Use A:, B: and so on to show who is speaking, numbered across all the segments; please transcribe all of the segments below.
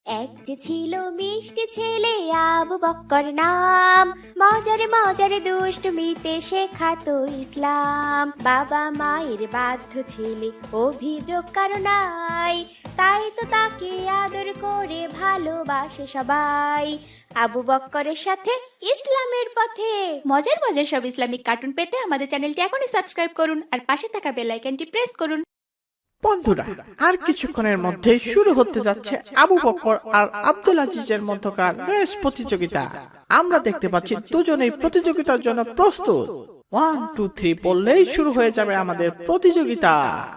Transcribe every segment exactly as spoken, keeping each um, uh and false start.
A: এক যে ছিল মিষ্টি ছেলে আবু বক্কর নাম, মজারে মজারে দুষ্টমিতে শেখাতো ইসলাম। বাবা মায়ের বাধ্য ছেলে অভিযোগ কারো নাই, তাই তো তাকে আদর করে ভালোবাসে সবাই। আবু বক্করের সাথে ইসলামের পথে মজার মজার সব ইসলামিক কার্টুন পেতে আমাদের চ্যানেলটি এখনই সাবস্ক্রাইব করুন আর পাশে থাকা বেল আইকনটি প্রেস করুন।
B: বন্ধুরা, আর কিছুক্ষণের মধ্যে শুরু হতে যাচ্ছে আবু বকর আর আব্দুল আজিজের মধ্যকার রেস প্রতিযোগিতা। আমরা দেখতে পাচ্ছি দুজনেই প্রতিযোগিতার জন্য প্রস্তুত। ওয়ান টু থ্রি বললেই শুরু হয়ে যাবে আমাদের প্রতিযোগিতা।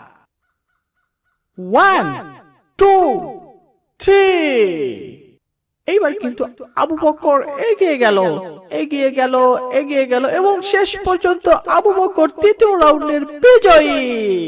B: One two three. এইবার কিন্তু আবু বকর এগিয়ে গেল এগিয়ে গেল এগিয়ে গেল এবং শেষ পর্যন্ত আবু বকর তৃতীয় রাউন্ডের বিজয়ী।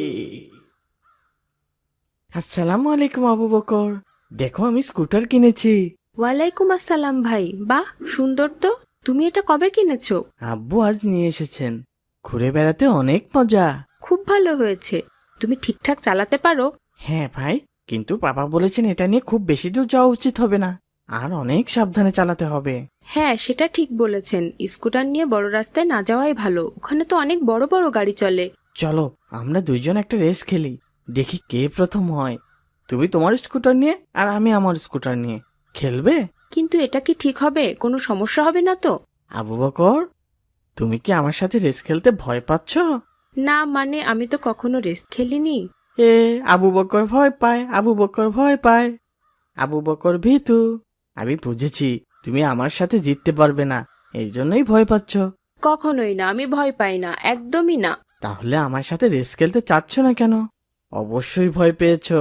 B: আসসালামু আলাইকুম আবু বকর, দেখো আমি স্কুটার কিনেছি।
C: ওয়ালাইকুম আসসালাম ভাই, বাহ সুন্দর তো। তুমি এটা কবে কিনেছো?
B: আব্বু আজ নিয়ে এসেছেন। ঘুরে বেড়াতে অনেক মজা।
C: খুব ভালো হয়েছে। তুমি ঠিকঠাক চালাতে পারো?
B: হ্যাঁ ভাই, কিন্তু বাবা বলেছেন এটা নিয়ে খুব বেশি দূর যাওয়া উচিত হবে না, আর অনেক সাবধানে চালাতে হবে।
C: হ্যাঁ, সেটা ঠিক বলেছেন। স্কুটার নিয়ে বড় রাস্তায় না যাওয়াই ভালো, ওখানে তো অনেক বড় বড় গাড়ি চলে।
B: চলো আমরা দুইজন একটা রেস খেলি, দেখি কে প্রথম হয়। তুমি তোমার স্কুটার নিয়ে আর আমি আমার স্কুটার নিয়ে খেলবে।
C: কিন্তু এটা কি ঠিক হবে? কোনো সমস্যা হবে না তো?
B: আবু বকর, তুমি কি আমার সাথে রেস খেলতে ভয় পাচ্ছ?
C: না মানে আমি তো কখনো রেস খেলিনি।
B: এ আবু বকর ভয় পায়, আবু বকর ভয় পায়, আবু বকর ভীতু। আমি বুঝেছি তুমি আমার সাথে জিততে পারবে না, এই জন্যই ভয় পাচ্ছ।
C: কখনোই না, আমি ভয় পাই না, একদমই না।
B: তাহলে আমার সাথে রেস খেলতে চাচ্ছ না কেন? অবশ্যই ভয় পেয়েছো।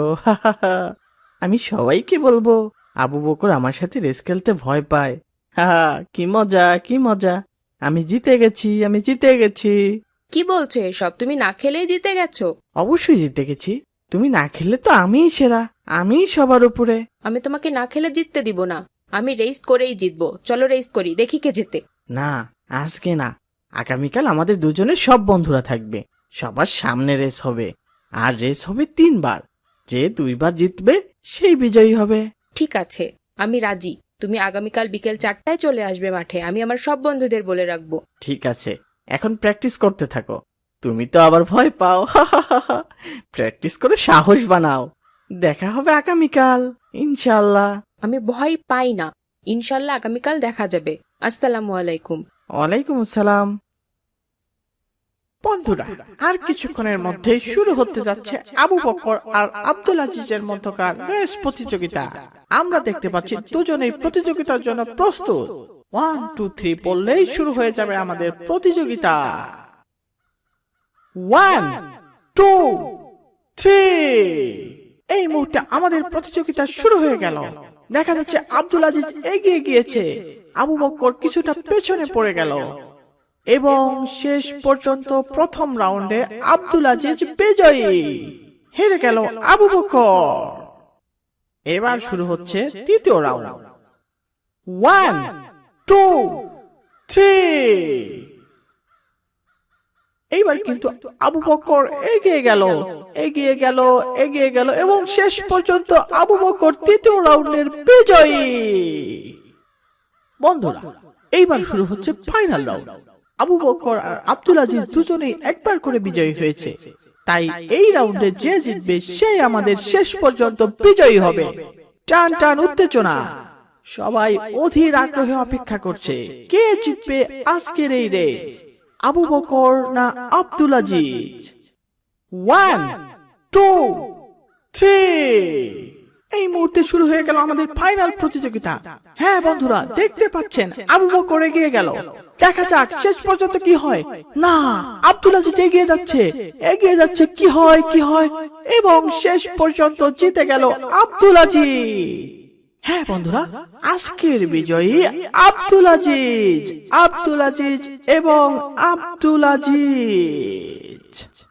B: আমি সবাইকে বলবো আবু বকর আমার সাথে রেস খেলতে ভয় পায়। হা, কি মজা কি মজা, আমি জিতে গেছি আমি জিতে গেছি।
C: কি বলছো এসব? তুমি না খেলেই জিতে গেছো?
B: অবশ্যই জিতে গেছি, তুমি না খেললে তো আমিই সেরা, আমিই সবার উপরে।
C: আমি তোমাকে না খেলে জিততে দিব না, আমি রেস করেই জিতবো। চলো রেস করি, দেখি কে জেতে।
B: না, আজকে না, আগামীকাল আমাদের দুজনের সব বন্ধুরা থাকবে, সবার সামনে রেস হবে, আর রেস হবে তিনবার। যে দুইবার জিতবে সেই বিজয়ী হবে।
C: ঠিক আছে, আমি রাজি। তুমি আগামীকাল বিকেল চারটায় চলে আসবে মাঠে, আমি আমার সব বন্ধুদের বলে রাখবো।
B: ঠিক আছে, এখন প্র্যাকটিস করতে থাকো। তুমি তো আবার ভয় পাও। প্র্যাকটিস করে সাহস বানাও, দেখা হবে আগামীকাল ইনশাল্লাহ।
C: আমি ভয় পাই না, ইনশাল্লাহ আগামীকাল দেখা যাবে। আসসালামু আলাইকুম।
B: ওয়ালাইকুম আসসালাম। বন্ধুরা, আর কিছুক্ষণের মধ্যে শুরু হতে যাচ্ছে আবু বকর আর আব্দুল আজিজের মধ্যকার রেস প্রতিযোগিতা। আমরা দেখতে পাচ্ছি দুজনেই প্রতিযোগিতার জন্য প্রস্তুত। ওয়ান টু থ্রি বললেই শুরু হয়ে যাবে আমাদের প্রতিযোগিতা। One two three. এই মুহূর্তে আমাদের প্রতিযোগিতা শুরু হয়ে গেল। দেখা যাচ্ছে আব্দুল আজিজ এগিয়ে গিয়েছে, আবু বকর কিছুটা পেছনে পড়ে গেল এবং শেষ পর্যন্ত প্রথম রাউন্ডে আব্দুল আজিজ বিজয়ী। হেরে গেল আবু বকর। এবার শুরু হচ্ছে তৃতীয় রাউন্ড। One two three. এইবার কিন্তু আবু বকর এগিয়ে গেল এগিয়ে গেল এগিয়ে গেল এবং শেষ পর্যন্ত আবু বকর তৃতীয় রাউন্ডের বিজয়ী। বন্ধুরা, এইবার শুরু হচ্ছে ফাইনাল রাউন্ড। আবু বকর আর আব্দুল আজিজ দুজনেই একবার করে বিজয়ী হয়েছে, তাই এই রাউন্ডে যে জিতবে সেই আমাদের শেষ পর্যন্ত বিজয়ী হবে। টান টান উত্তেজনা, সবাই অধীর আগ্রহে অপেক্ষা করছে কে জিতবে আজকের এই রেস, আবু বকর না Abdul Aziz. One two three. এই মুহূর্তে শুরু হয়ে গেল আমাদের ফাইনাল প্রতিযোগিতা। হ্যাঁ বন্ধুরা, দেখতে পাচ্ছেন আবু বকর এগিয়ে গেল। দেখা যাক শেষ পর্যন্ত কি হয়। না, আব্দুল আজিজ এগিয়ে যাচ্ছে এগিয়ে যাচ্ছে কি হয় কি হয় এবং শেষ পর্যন্ত জিতে গেল আব্দুল আজিজ। হ্যাঁ বন্ধুরা, আজকের বিজয়ী আব্দুল আজিজ আব্দুল আজিজ এবং আব্দুল আজিজ।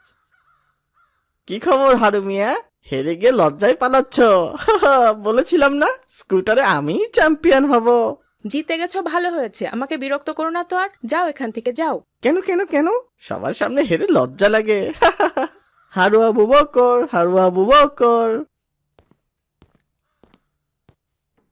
B: কি খবর হারু মিয়া, হেরে গিয়ে লজ্জায় পালাচ্ছ? বলেছিলাম না স্কুটারে আমি চ্যাম্পিয়ন হব।
C: জিতে গেছো, ভালো হয়েছে। আমাকে বিরক্ত করো না তো, আর যাও এখান থেকে যাও।
B: কেন কেন কেন সবার সামনে হেরে লজ্জা লাগে? হারু আবু বকর হারু আবু বকর।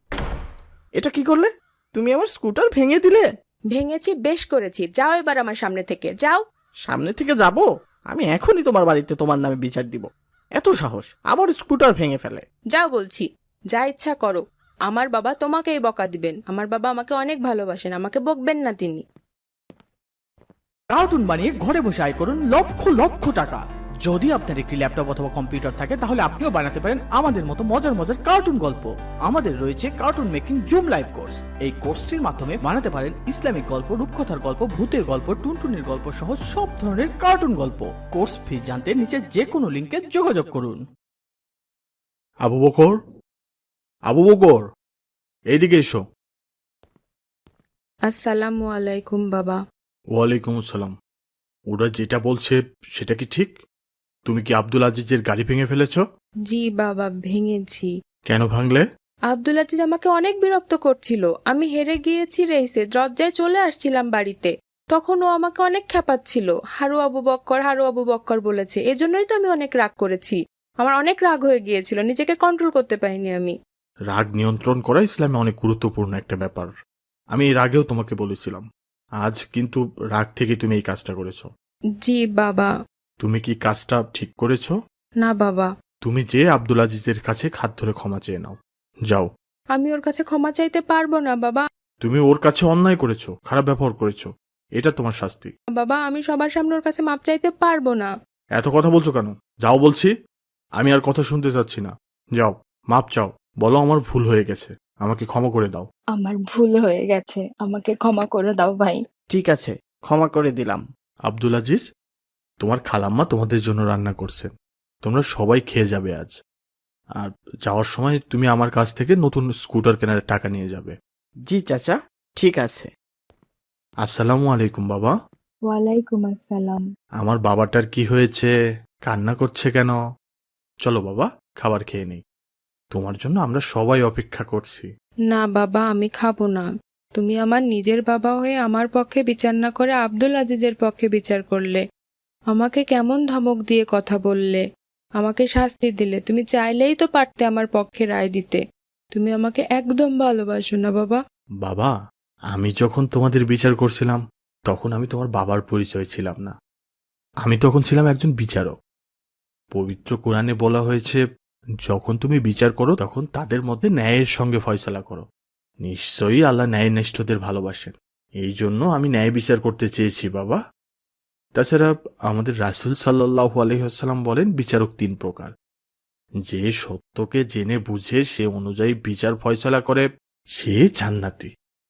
B: এটা কি করলে? তুমি আমার স্কুটার ভেঙে দিলে।
C: ভেঙেছি, বেশ করেছি। যাও এবার আমার সামনে থেকে, যাও।
B: সামনে থেকে যাব? আমি এখনই তোমার বাড়িতে তোমার নামে বিচার দিব। এত সাহস, আমার স্কুটার ভেঙে ফেলে।
C: যাও বলছি, যা ইচ্ছা করো। আমার বাবা তোমাকেই বকা দিবেন। আমার বাবা আমাকে অনেক ভালোবাসেন, আমাকে বকবেন না তিনি।
B: কার্টুন বানিয়ে ঘরে বসে আয় করুন লক্ষ লক্ষ টাকা। যদি আপনার একটি ল্যাপটপ অথবা কম্পিউটার থাকে তাহলে আপনিও বানাতে পারেন আমাদের মতো মজার মজার কার্টুন গল্প। আমাদের রয়েছে cartoon making zoom live course. এই কোর্সটির মাধ্যমে বানাতে পারেন ইসলামিক গল্প, রূপকথার গল্প, ভূতের গল্প, টুনটুনির গল্প সহ সব ধরনের কার্টুন গল্প। কোর্স ফি জানতে নিচে যে কোনো লিংকে যোগাযোগ করুন।
D: আবু বকর, আবু বকর, এইদিকে এসো।
C: আসসালামু আলাইকুম বাবা।
D: ওয়ালাইকুম আসসালাম। ওরা যেটা বলছে সেটা কি ঠিক? তুমি কি আব্দুল আজিজের গাড়ি ভেঙে ফেলেছ?
C: জি বাবা, ভেঙেছি।
D: কেন ভাঙলে?
C: আব্দুল আজিজ আমাকে অনেক বিরক্ত করছিল। আমি হেরে গিয়েছি রেসে, দরজায় চলে আসছিলাম বাড়িতে। তখন ও আমাকে অনেক খেপাচ্ছিল, হারু আবু বক্কর, হারু আবু বক্কর বলেছে। এজন্যই তো আমি অনেক রাগ করেছি। আমার অনেক রাগ হয়ে গিয়েছিল, নিজেকে কন্ট্রোল করতে পারিনি আমি।
D: রাগ নিয়ন্ত্রণ করা ইসলামে অনেক গুরুত্বপূর্ণ একটা ব্যাপার। আমি এর আগেও তোমাকে বলেছিলাম। আজ কিন্তু রাগ থেকে তুমি এই কাজটা করেছো।
C: জি বাবা।
D: তুমি কি কাজটা ঠিক করেছো?
C: না বাবা।
D: তুমি যে আব্দুল আজিজের কাছে হাত ধরে ক্ষমা চেয়ে নাও, যাও।
C: আমি ওর কাছে ক্ষমা চাইতে পারবো না বাবা।
D: তুমি ওর কাছে অন্যায় করেছো, খারাপ ব্যবহার করেছো, এটা তোমার শাস্তি।
C: বাবা, আমি সবার সামনে ওর কাছে মাপ চাইতে পারবো না।
D: এত কথা বলছো কেন? যাও বলছি। আমি আর কথা শুনতে চাচ্ছি না। যাও, মাপ চাও, বলো আমার ভুল হয়ে গেছে, আমাকে ক্ষমা করে দাও।
E: আমার ভুল হয়ে গেছে, আমাকে ক্ষমা করে দাও ভাই।
B: ঠিক আছে, ক্ষমা করে দিলাম।
D: আব্দুল আজিজ, তোমার খালাম্মা তোমাদের জন্য রান্না করছেন, তোমরা সবাই খেয়ে যাবে আজ। আর যাওয়ার সময় তুমি আমার কাছ থেকে নতুন স্কুটার কেনার টাকা নিয়ে যাবে।
B: জি চাচা, ঠিক আছে।
D: আসসালামু আলাইকুম বাবা।
E: ওয়ালাইকুম আসসালাম।
D: আমার বাবাটার কি হয়েছে? কান্না করছে কেন? চলো বাবা, খাবার খেয়ে নেই। তোমার জন্য আমরা সবাই অপেক্ষা করছি।
C: না বাবা, আমি খাবো না। তুমি আমার নিজের বাবা হয়ে আমার পক্ষে বিচার না করে আব্দুল আজিজের পক্ষে বিচার করলে। আমাকে কেমন ধমক দিয়ে কথা বললে, আমাকে শাস্তি দিলে। তুমি চাইলেই তো পারতে আমার পক্ষে রায় দিতে। তুমি আমাকে একদম ভালোবাসো না বাবা।
D: বাবা, আমি যখন তোমাদের বিচার করছিলাম তখন আমি তোমার বাবার পরিচয় ছিলাম না। আমি তখন ছিলাম একজন বিচারক। পবিত্র কোরআনে বলা হয়েছে, যখন তুমি বিচার করো তখন তাদের মধ্যে ন্যায়ের সঙ্গে ফয়সালা করো। নিশ্চয়ই আল্লাহ ন্যায়নিষ্ঠদের ভালোবাসেন। এই জন্য আমি ন্যায় বিচার করতে চেয়েছি বাবা। তাছাড়া আমাদের রাসূল সাল্লাল্লাহু আলাইহি ওয়াসাল্লাম বলেন, বিচারক তিন প্রকার। যে সত্যকে জেনে বুঝে সে অনুযায়ী বিচার ফয়সালা করে সে জান্নাতি।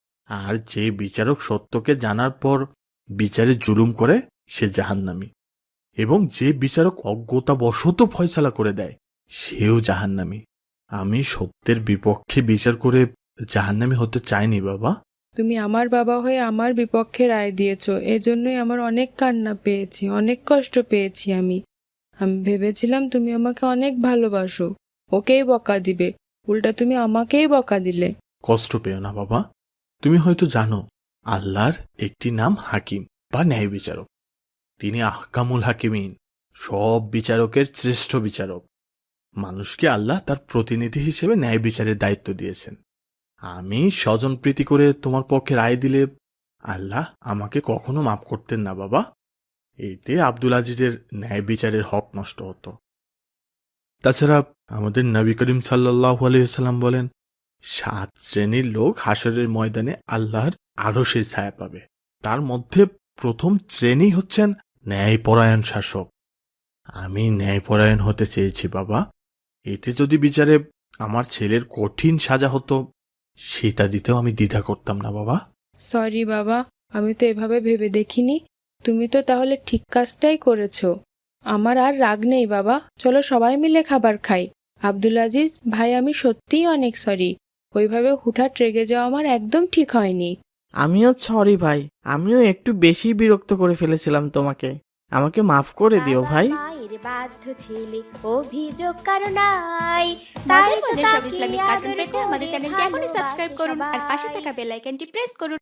D: আর যে বিচারক সত্যকে জানার পর বিচারে জুলুম করে সে জাহান্নামী। এবং যে বিচারক অজ্ঞতাবশত ফয়সালা করে দেয় সেও জাহান্নামী। আমি সত্যের বিপক্ষে বিচার করে জাহান্নামী হতে চাইনি বাবা।
C: তুমি আমার বাবা হয়ে আমার বিপক্ষে রায় দিয়েছ, এজন্যই আমার অনেক কান্না পেয়েছি, অনেক কষ্ট পেয়েছি আমি। আমি ভেবেছিলাম তুমি আমাকে অনেক ভালোবাসো, ওকেই বকা দিবে, উল্টা তুমি আমাকেই বকা দিলে।
D: কষ্ট পেও না বাবা। তুমি হয়তো জানো আল্লাহর একটি নাম হাকিম বা ন্যায় বিচারক। তিনি আহকামুল হাকিমিন, সব বিচারকের শ্রেষ্ঠ বিচারক। মানুষকে আল্লাহ তার প্রতিনিধি হিসেবে ন্যায় বিচারের দায়িত্ব দিয়েছেন। আমি স্বজনপ্রীতি করে তোমার পক্ষে রায় দিলে আল্লাহ আমাকে কখনো মাফ করতেন না বাবা। এতে আব্দুল আজিজের ন্যায় বিচারের হক নষ্ট হতো। তাছাড়া আমাদের নবী করিম সাল্লাল্লাহু আলাইহি ওয়াসাল্লাম বলেন, সাত শ্রেণীর লোক হাসরের ময়দানে আল্লাহর আরশের ছায়া পাবে। তার মধ্যে প্রথম শ্রেণী হচ্ছেন ন্যায়পরায়ণ শাসক। আমি ন্যায়পরায়ণ হতে চেয়েছি বাবা। এতে যদি বিচারে আমার ছেলের কঠিন সাজা হতো সেটা দিতেও আমি দ্বিধা করতাম না বাবা।
C: সরি বাবা, আমি তো এভাবে ভেবে দেখিনি। তুমি তো তাহলে ঠিক কাজটাই করেছো। আমার আর রাগ নেই বাবা, চলো সবাই মিলে খাবার খাই। আব্দুল আজিজ ভাই, আমি সত্যিই অনেক সরি। ওইভাবে হুঠাৎ রেগে যাওয়া আমার একদম ঠিক হয়নি।
B: আমিও সরি ভাই, আমিও একটু বেশি বিরক্ত করে ফেলেছিলাম তোমাকে। আমাকে মাফ করে দিও ভাই।
A: বাবা মায়ের বাধ্য ছেলে, অভিযোগ কারো নাই।
F: মজার
A: তাই তো
F: মজার সব
A: তাকে
F: ইসলামিক কার্টুন
A: আদর
F: পেতে
A: করে
F: আমাদের চ্যানেলকে এখনই সাবস্ক্রাইব
A: ভালোবাসে
F: করুন আর পাশে
A: সবাই।
F: থাকা বেল আইকনটি প্রেস করুন।